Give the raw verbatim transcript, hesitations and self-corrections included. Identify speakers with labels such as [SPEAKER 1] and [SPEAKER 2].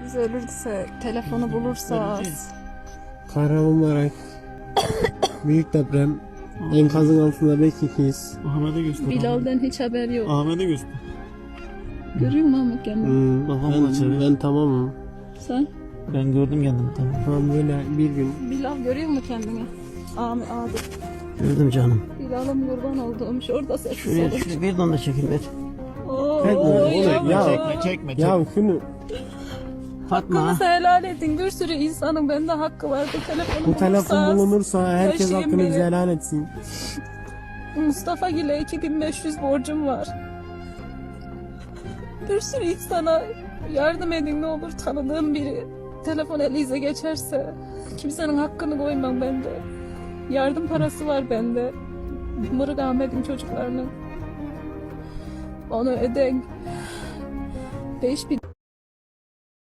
[SPEAKER 1] Biz ölürse, telefonu bulursa.
[SPEAKER 2] Kahramanmaraş. Büyük deprem. Enkazın altında beş ikiyiz.
[SPEAKER 3] Ahmet'e göster.
[SPEAKER 1] Bilal'den hiç haber yok.
[SPEAKER 3] Ahmet'e göster.
[SPEAKER 1] Görüyor musun Ahmet kendini?
[SPEAKER 2] Hmm,
[SPEAKER 3] Babam da çevir.
[SPEAKER 2] ben, ben tamamım.
[SPEAKER 1] Sen?
[SPEAKER 3] Ben gördüm kendimi tamam.
[SPEAKER 2] Tamam böyle bir gün.
[SPEAKER 1] Bilal görüyor mu kendini? Ahmet abi.
[SPEAKER 3] Gördüm canım.
[SPEAKER 1] Bilal'ım kurban olduğum şurada sessiz
[SPEAKER 3] Şuraya,
[SPEAKER 1] olur.
[SPEAKER 3] şuraya bir donda çekeyim ver.
[SPEAKER 1] Oo,
[SPEAKER 2] Çekme, oğlum,
[SPEAKER 1] yavrum.
[SPEAKER 2] ya.
[SPEAKER 3] Çekme çekme çekme.
[SPEAKER 2] Ya şunu
[SPEAKER 3] Fatma.
[SPEAKER 1] Hakkınızı helal edin. Bir sürü insanın bende hakkı vardı. Telefonu
[SPEAKER 2] bu telefon
[SPEAKER 1] bulursanız-
[SPEAKER 2] bulunursa herkes
[SPEAKER 1] taşıyın
[SPEAKER 2] hakkını
[SPEAKER 1] beni.
[SPEAKER 2] bize helal etsin.
[SPEAKER 1] Mustafa Gül'e iki bin beş yüz borcum var. Bir sürü insana yardım edin ne olur, tanıdığım biri telefon elinize geçerse kimsenin hakkını koymam bende. Yardım parası var bende. Mırık Ahmet'in çocuklarının. Onu öden. Beş bin